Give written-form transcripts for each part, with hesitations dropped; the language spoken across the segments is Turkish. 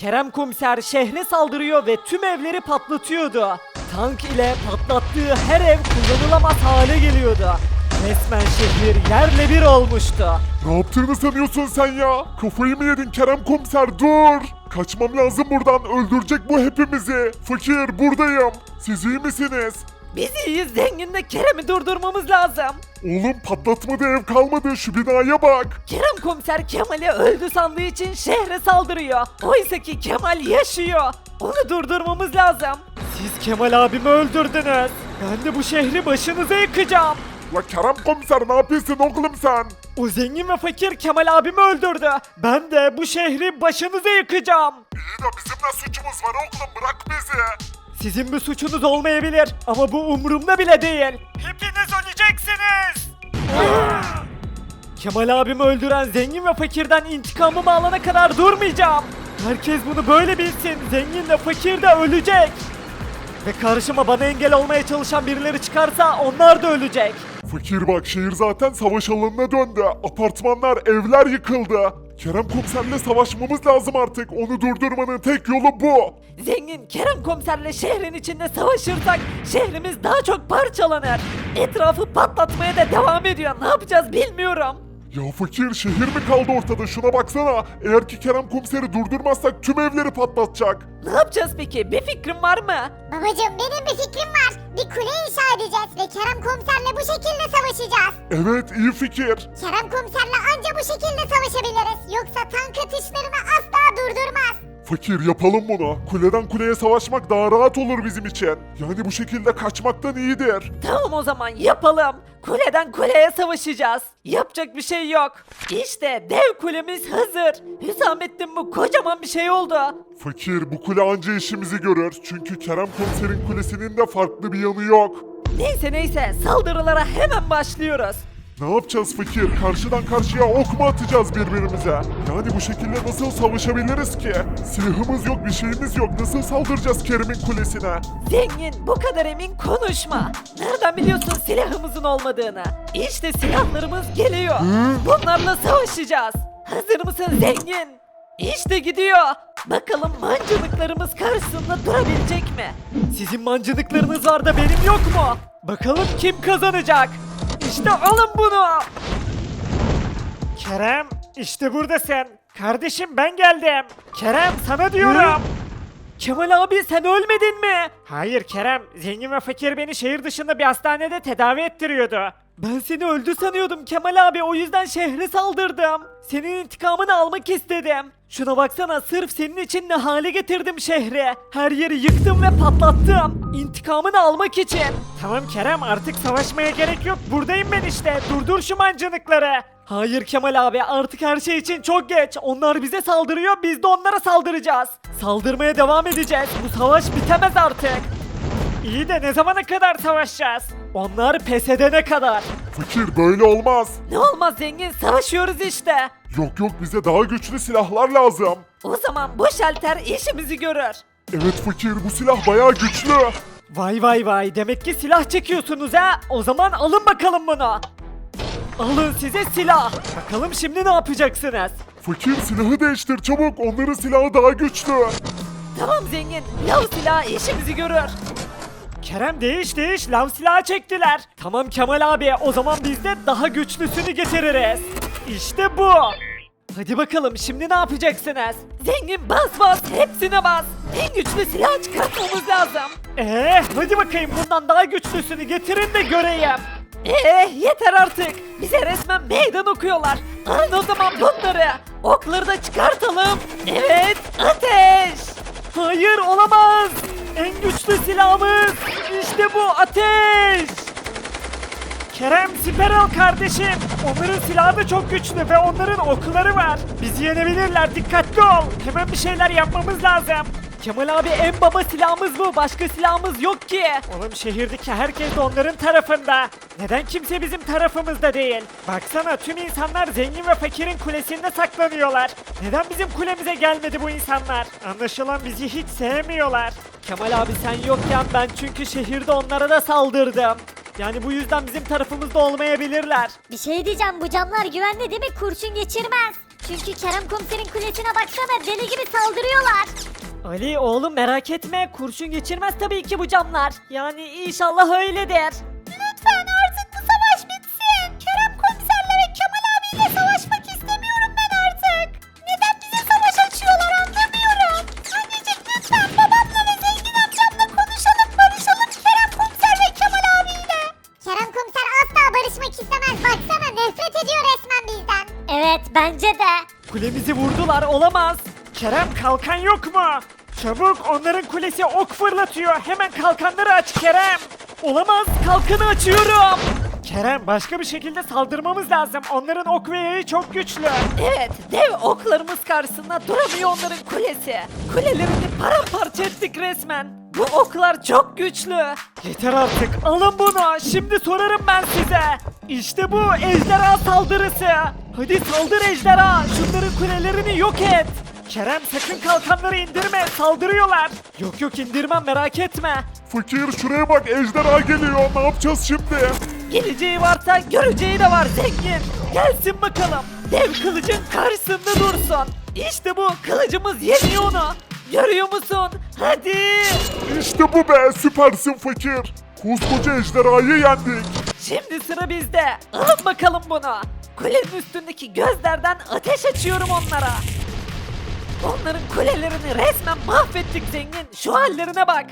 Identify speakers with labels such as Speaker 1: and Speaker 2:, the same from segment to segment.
Speaker 1: Kerem Komiser şehre saldırıyor ve tüm evleri patlatıyordu. Tank ile patlattığı her ev kullanılamaz hale geliyordu. Resmen şehir yerle bir olmuştu.
Speaker 2: Ne yaptığını sanıyorsun sen ya? Kafayı mı yedin Kerem Komiser, dur! Kaçmam lazım buradan, öldürecek bu hepimizi. Fakir, buradayım. Siz iyi misiniz?
Speaker 1: Biz iyiyiz, Zengin'le Kerem'i durdurmamız lazım.
Speaker 2: Oğlum patlatmadı ev kalmadı, şu binaya bak.
Speaker 1: Kerem Komiser Kemal'i öldü sandığı için şehre saldırıyor. Oysa ki Kemal yaşıyor. Onu durdurmamız lazım. Siz Kemal abimi öldürdünüz. Ben de bu şehri başınıza yıkacağım.
Speaker 2: La Kerem Komiser, ne yapıyorsun oğlum sen?
Speaker 1: O zengin ve fakir Kemal abimi öldürdü. Ben de bu şehri başınıza yıkacağım.
Speaker 2: İyi de bizim ne suçumuz var oğlum, bırak bizi.
Speaker 1: Sizin bir suçunuz olmayabilir ama bu umurumda bile değil. Hepiniz öleceksiniz. Kemal abimi öldüren zengin ve fakirden intikamımı alana kadar durmayacağım. Herkes bunu böyle bilsin. Zengin de fakir de ölecek. Ve karşıma bana engel olmaya çalışan birileri çıkarsa onlar da ölecek.
Speaker 2: Fakir bak, şehir zaten savaş alanına döndü. Apartmanlar, evler yıkıldı. Kerem Komiser'le savaşmamız lazım artık. Onu durdurmanın tek yolu bu.
Speaker 1: Zengin Kerem Komiserle şehrin içinde savaşırsak şehrimiz daha çok parçalanır. Etrafı patlatmaya da devam ediyor. Ne yapacağız bilmiyorum.
Speaker 2: Ya fakir, şehir mi kaldı ortada, şuna baksana. Eğer ki Kerem Komiser'i durdurmazsak tüm evleri patlatacak.
Speaker 1: Ne yapacağız peki? Bir fikrin var mı?
Speaker 3: Babacım benim bir fikrim var. Bir kule inşa edeceğiz ve Kerem komiserle bu şekilde savaşacağız.
Speaker 2: Evet, iyi fikir.
Speaker 3: Kerem komiserle anca bu şekilde savaşabiliriz. Yoksa tank atışlarını asla durdurmaz.
Speaker 2: Fakir, yapalım bunu. Kuleden kuleye savaşmak daha rahat olur bizim için. Yani bu şekilde kaçmaktan iyidir.
Speaker 1: Tamam o zaman yapalım. Kuleden kuleye savaşacağız. Yapacak bir şey yok. İşte dev kulemiz hazır. Hüsamettin bu kocaman bir şey oldu.
Speaker 2: Fakir, bu kule anca işimizi görür. Çünkü Kerem Komiser'in kulesinin de farklı bir yanı yok.
Speaker 1: Neyse saldırılara hemen başlıyoruz.
Speaker 2: Ne yapacağız fakir? Karşıdan karşıya ok mu atacağız birbirimize? Yani bu şekilde nasıl savaşabiliriz ki? Silahımız yok, bir şeyimiz yok. Nasıl saldıracağız Kerem'in kulesine?
Speaker 1: Zengin bu kadar emin konuşma. Nereden biliyorsun silahımızın olmadığını? İşte silahlarımız geliyor. Bunlarla savaşacağız. Hazır mısın zengin? İşte gidiyor. Bakalım mancınıklarımız karşısında durabilecek mi? Sizin mancınıklarınız var da benim yok mu? Bakalım kim kazanacak? İşte alın bunu. Kerem işte buradasın. Kardeşim ben geldim. Kerem sana diyorum. Kemal abi sen ölmedin mi? Hayır Kerem. Zengin ve fakir beni şehir dışında bir hastanede tedavi ettiriyordu. Ben seni öldü sanıyordum Kemal abi, o yüzden şehre saldırdım. Senin intikamını almak istedim. Şuna baksana, sırf senin için ne hale getirdim şehri. Her yeri yıktım ve patlattım. İntikamını almak için. Tamam Kerem, artık savaşmaya gerek yok. Buradayım ben işte. Durdur şu mancınıkları. Hayır Kemal abi, artık her şey için çok geç. Onlar bize saldırıyor, biz de onlara saldıracağız. Saldırmaya devam edeceğiz. Bu savaş bitemez artık. İyi de ne zamana kadar savaşacağız? Onlar pes edene kadar.
Speaker 2: Fakir, böyle olmaz.
Speaker 1: Ne olmaz zengin, savaşıyoruz işte.
Speaker 2: Yok bize daha güçlü silahlar lazım.
Speaker 1: O zaman bu şalter işimizi görür.
Speaker 2: Evet fakir, bu silah bayağı güçlü.
Speaker 1: Vay demek ki silah çekiyorsunuz ha. O zaman alın bakalım bunu. Alın size silah. Bakalım şimdi ne yapacaksınız?
Speaker 2: Fakir, silahı değiştir çabuk, onların silahı daha güçlü.
Speaker 1: Tamam zengin, lav silahı işimizi görür. Kerem değiş, lav silahı çektiler. Tamam Kemal abi, o zaman biz de daha güçlüsünü getiririz. İşte bu. Hadi bakalım şimdi ne yapacaksınız? Zengin bas, hepsine bas. En güçlü silah çıkartmamız lazım. Hadi bakayım, bundan daha güçlüsünü getirin de göreyim. Yeter artık. Bize resmen meydan okuyorlar. Alın o zaman bunları. Okları da çıkartalım. Evet, ateş. Hayır, olamaz. En güçlü silahımız. İşte bu, ateş. Kerem, siper al kardeşim. Onların silahı da çok güçlü ve onların okları var. Bizi yenebilirler, dikkatli ol. Hemen bir şeyler yapmamız lazım. Kemal abi, en baba silahımız bu. Başka silahımız yok ki. Oğlum, şehirdeki herkes de onların tarafında. Neden kimse bizim tarafımızda değil? Baksana, tüm insanlar zengin ve fakirin kulesinde saklanıyorlar. Neden bizim kulemize gelmedi bu insanlar? Anlaşılan bizi hiç sevmiyorlar. Kemal abi sen yokken ben çünkü şehirde onlara da saldırdım. Yani bu yüzden bizim tarafımızda olmayabilirler.
Speaker 3: Bir şey diyeceğim, bu camlar güvenli değil mi? Kurşun geçirmez. Çünkü Kerem komiserin kulesine baksana, deli gibi saldırıyorlar.
Speaker 1: Ali oğlum merak etme, kurşun geçirmez tabii ki bu camlar. Yani inşallah öyledir.
Speaker 3: Lütfen artık bu savaş bitsin. Kerem komiserle ve Kemal abiyle savaşmak istemiyorum ben artık. Neden bize savaş açıyorlar anlamıyorum. Anneciğim lütfen babamla ve zengin amcamla konuşalım, barışalım Kerem komiser ve Kemal abiyle. Kerem komiser asla barışmak istemez. Baksana nefret ediyor resmen bizden. Evet bence de.
Speaker 1: Kulemizi vurdular, olamaz. Kerem kalkan yok mu? Çabuk, onların kulesi ok fırlatıyor. Hemen kalkanları aç Kerem. Olamaz, kalkanı açıyorum. Kerem, başka bir şekilde saldırmamız lazım. Onların ok ve yayı çok güçlü. Evet, dev oklarımız karşısında duramıyor onların kulesi. Kulelerini paramparça ettik resmen. Bu oklar çok güçlü. Yeter artık, alın bunu. Şimdi sorarım ben size. İşte bu ejderha saldırısı. Hadi saldır ejderha. Şunların kulelerini yok et. Kerem sakın kalkanları indirme, saldırıyorlar. Yok yok, indirmem, merak etme.
Speaker 2: Fakir şuraya bak, ejderha geliyor. Ne yapacağız şimdi?
Speaker 1: Geleceği varsa göreceği de var zengin. Gelsin bakalım. Dev kılıcın karşısında dursun. İşte bu, kılıcımız yeniyor onu. Görüyor musun? Hadi.
Speaker 2: İşte bu be, süpersin fakir. Koskoca ejderhayı yendik.
Speaker 1: Şimdi sıra bizde. Alın bakalım bunu. Kulenin üstündeki gözlerden ateş açıyorum onlara. Onların kulelerini resmen mahvettik zengin. Şu hallerine bak.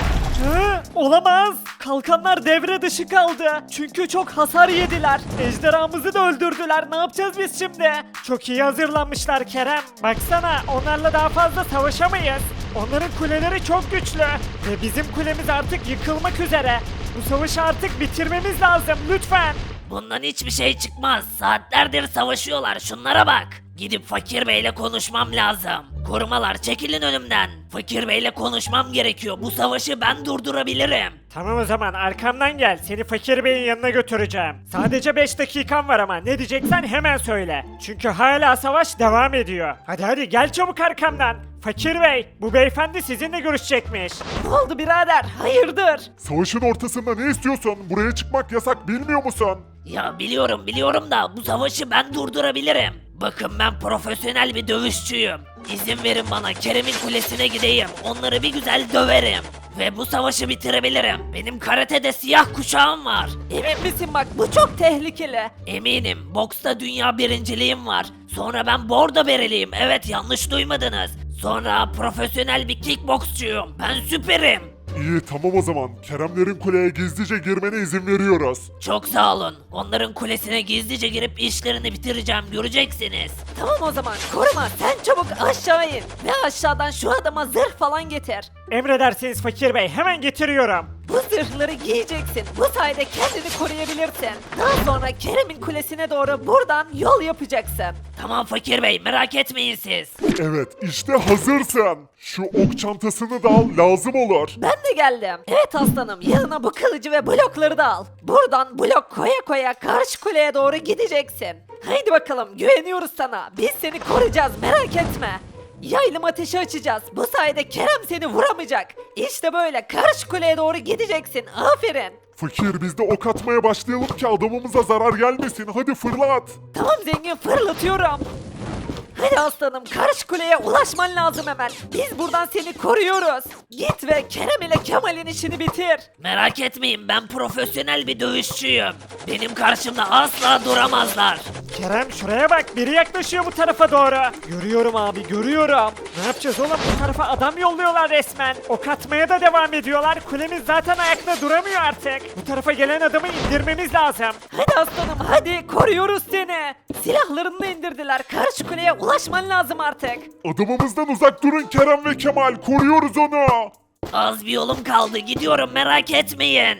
Speaker 1: Olamaz. Kalkanlar devre dışı kaldı. Çünkü çok hasar yediler. Ejderhamızı da öldürdüler. Ne yapacağız biz şimdi? Çok iyi hazırlanmışlar Kerem. Baksana, onlarla daha fazla savaşamayız. Onların kuleleri çok güçlü. Ve bizim kulemiz artık yıkılmak üzere. Bu savaşı artık bitirmemiz lazım lütfen.
Speaker 4: Bundan hiçbir şey çıkmaz. Saatlerdir savaşıyorlar. Şunlara bak. Gidip Fakir Bey'le konuşmam lazım. Korumalar çekilin önümden. Fakir Bey'le konuşmam gerekiyor. Bu savaşı ben durdurabilirim.
Speaker 1: Tamam o zaman, arkamdan gel. Seni Fakir Bey'in yanına götüreceğim. Sadece 5 dakikan var ama ne diyeceksen hemen söyle. Çünkü hala savaş devam ediyor. Hadi hadi gel çabuk arkamdan. Fakir Bey, bu beyefendi sizinle görüşecekmiş. Ne oldu birader? Hayırdır?
Speaker 2: Savaşın ortasında ne istiyorsun? Buraya çıkmak yasak, bilmiyor musun?
Speaker 4: Ya biliyorum da bu savaşı ben durdurabilirim. Bakın ben profesyonel bir dövüşçüyüm. İzin verin bana, Kerem'in kulesine gideyim. Onları bir güzel döverim. Ve bu savaşı bitirebilirim. Benim karatede siyah kuşağım var.
Speaker 1: Emin misin bak, bu çok tehlikeli.
Speaker 4: Eminim. Boksta dünya birinciliğim var. Sonra ben bordo bereliyim. Evet, yanlış duymadınız. Sonra profesyonel bir kickboksçuyum. Ben süperim.
Speaker 2: İyi, tamam o zaman. Keremlerin kuleye gizlice girmene izin veriyoruz.
Speaker 4: Çok sağ olun. Onların kulesine gizlice girip işlerini bitireceğim. Göreceksiniz.
Speaker 1: Tamam o zaman, koruma sen çabuk aşağı in. Ve aşağıdan şu adama zırh falan getir. Emredersiniz Fakir Bey, hemen getiriyorum. Bu zırhları giyeceksin. Bu sayede kendini koruyabilirsin. Daha sonra Kerem'in kulesine doğru buradan yol yapacaksın.
Speaker 4: Tamam Fakir Bey, merak etmeyin siz.
Speaker 2: Evet, işte hazırsın. Şu ok çantasını da al, lazım olur.
Speaker 1: Ben de geldim. Evet aslanım, yanına bu kılıcı ve blokları da al. Buradan blok koya koya karşı kuleye doğru gideceksin. Haydi bakalım, güveniyoruz sana. Biz seni koruyacağız, merak etme. Yaylım ateşi açacağız. Bu sayede Kerem seni vuramayacak. İşte böyle karşı kuleye doğru gideceksin. Aferin.
Speaker 2: Fakir, biz de ok atmaya başlayalım ki adamımıza zarar gelmesin. Hadi fırlat.
Speaker 1: Tamam zengin, fırlatıyorum. Hadi aslanım, karşı kuleye ulaşman lazım hemen. Biz buradan seni koruyoruz. Git ve Kerem ile Kemal'in işini bitir.
Speaker 4: Merak etmeyin, ben profesyonel bir dövüşçüyüm. Benim karşımda asla duramazlar.
Speaker 1: Kerem şuraya bak, biri yaklaşıyor bu tarafa doğru. Görüyorum abi, görüyorum. Ne yapacağız oğlum, bu tarafa adam yolluyorlar resmen. Ok atmaya da devam ediyorlar. Kulemiz zaten ayakta duramıyor artık. Bu tarafa gelen adamı indirmemiz lazım. Hadi aslanım hadi, koruyoruz seni. Silahlarını da indirdiler. Karşı kuleye ulaşman lazım artık.
Speaker 2: Adamımızdan uzak durun Kerem ve Kemal. Koruyoruz onu.
Speaker 4: Az bir yolum kaldı, gidiyorum, merak etmeyin.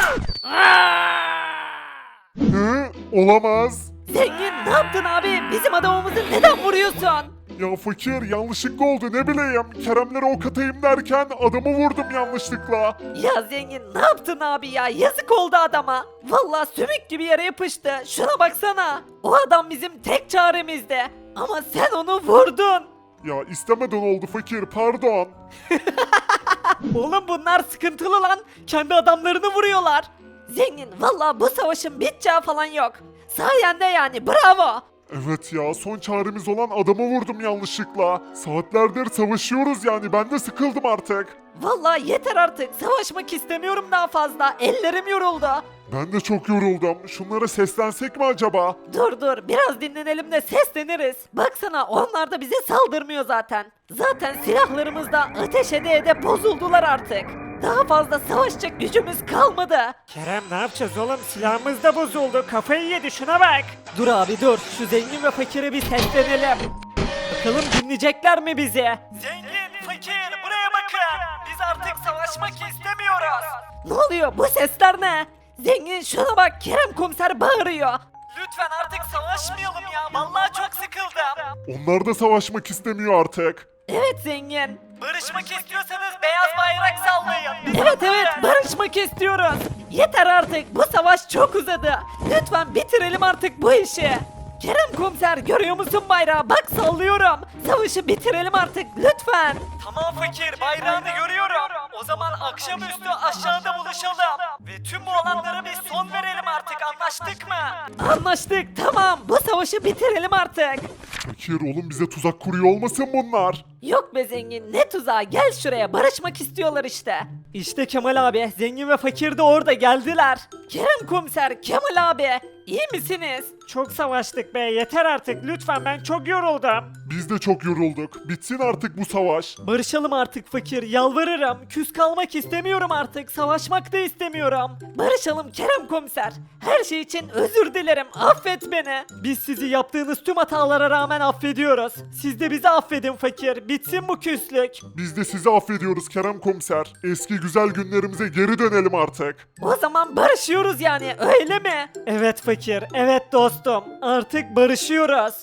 Speaker 2: Hı? Olamaz.
Speaker 1: Zengin ne yaptın abi? Bizim adamımızı neden vuruyorsun?
Speaker 2: Ya fakir, yanlışlıkla oldu, ne bileyim. Keremlere ok atayım derken adamı vurdum yanlışlıkla.
Speaker 1: Ya zengin ne yaptın abi ya? Yazık oldu adama. Vallahi sümük gibi yere yapıştı. Şuna baksana. O adam bizim tek çaremizdi. Ama sen onu vurdun.
Speaker 2: Ya istemeden oldu fakir, pardon.
Speaker 1: Oğlum bunlar sıkıntılı lan. Kendi adamlarını vuruyorlar. Zengin vallahi bu savaşın biteceği falan yok. Sayende yani, bravo.
Speaker 2: Evet ya, son çaremiz olan adamı vurdum yanlışlıkla. Saatlerdir savaşıyoruz yani, ben de sıkıldım artık.
Speaker 1: Vallahi yeter artık. Savaşmak istemiyorum daha fazla. Ellerim yoruldu.
Speaker 2: Ben de çok yoruldum. Şunlara seslensek mi acaba?
Speaker 1: Dur biraz dinlenelim de sesleniriz. Baksana onlar da bize saldırmıyor zaten. Zaten silahlarımız da ateş ede bozuldular artık. Daha fazla savaşacak gücümüz kalmadı. Kerem ne yapacağız oğlum? Silahımız da bozuldu. Kafayı yedi şuna bak. Dur abi dur. Şu zengin ve fakire bir seslenelim. Bakalım dinleyecekler mi bizi? Zengin, fakir buraya bakın. Biz artık savaşmak istemiyoruz. Ne oluyor? Bu sesler ne? Zengin şuna bak, Kerem komiser bağırıyor. Lütfen artık savaşmayalım ya. Vallahi çok sıkıldım.
Speaker 2: Onlar da savaşmak istemiyor artık.
Speaker 1: Evet zengin. Barışmak istiyorsanız beyaz bayrak sallayın. Evet barışmak istiyoruz. Yeter artık, bu savaş çok uzadı. Lütfen bitirelim artık bu işi. Kerem komiser görüyor musun bayrağı? Bak sallıyorum. Savaşı bitirelim artık lütfen. Tamam fakir, bayrağını görüyorum. O zaman akşamüstü aşağıda buluşalım. Ve tüm bu olanlara bir son verelim artık, anlaştık mı? Anlaştık, tamam, bu savaşı bitirelim artık.
Speaker 2: Fakir oğlum, bize tuzak kuruyor olmasın bunlar?
Speaker 1: Yok be zengin, ne tuzağı, gel şuraya, barışmak istiyorlar işte. İşte Kemal abi, zengin ve fakir de orada geldiler. Kerem komiser, Kemal abi, iyi misiniz? Çok savaştık be, yeter artık lütfen, ben çok yoruldum.
Speaker 2: Biz de çok yorulduk. Bitsin artık bu savaş.
Speaker 1: Barışalım artık fakir, yalvarırım. Küs kalmak istemiyorum artık, savaşmak da istemiyorum. Barışalım Kerem komiser. Her şey için özür dilerim, affet beni. Biz sizi yaptığınız tüm hatalara rağmen affediyoruz. Siz de bizi affedin fakir, bitsin bu küslük.
Speaker 2: Biz de sizi affediyoruz Kerem Komiser. Eski güzel günlerimize geri dönelim artık.
Speaker 1: O zaman barışıyoruz yani, öyle mi? Evet fakir, evet dostum. Artık barışıyoruz.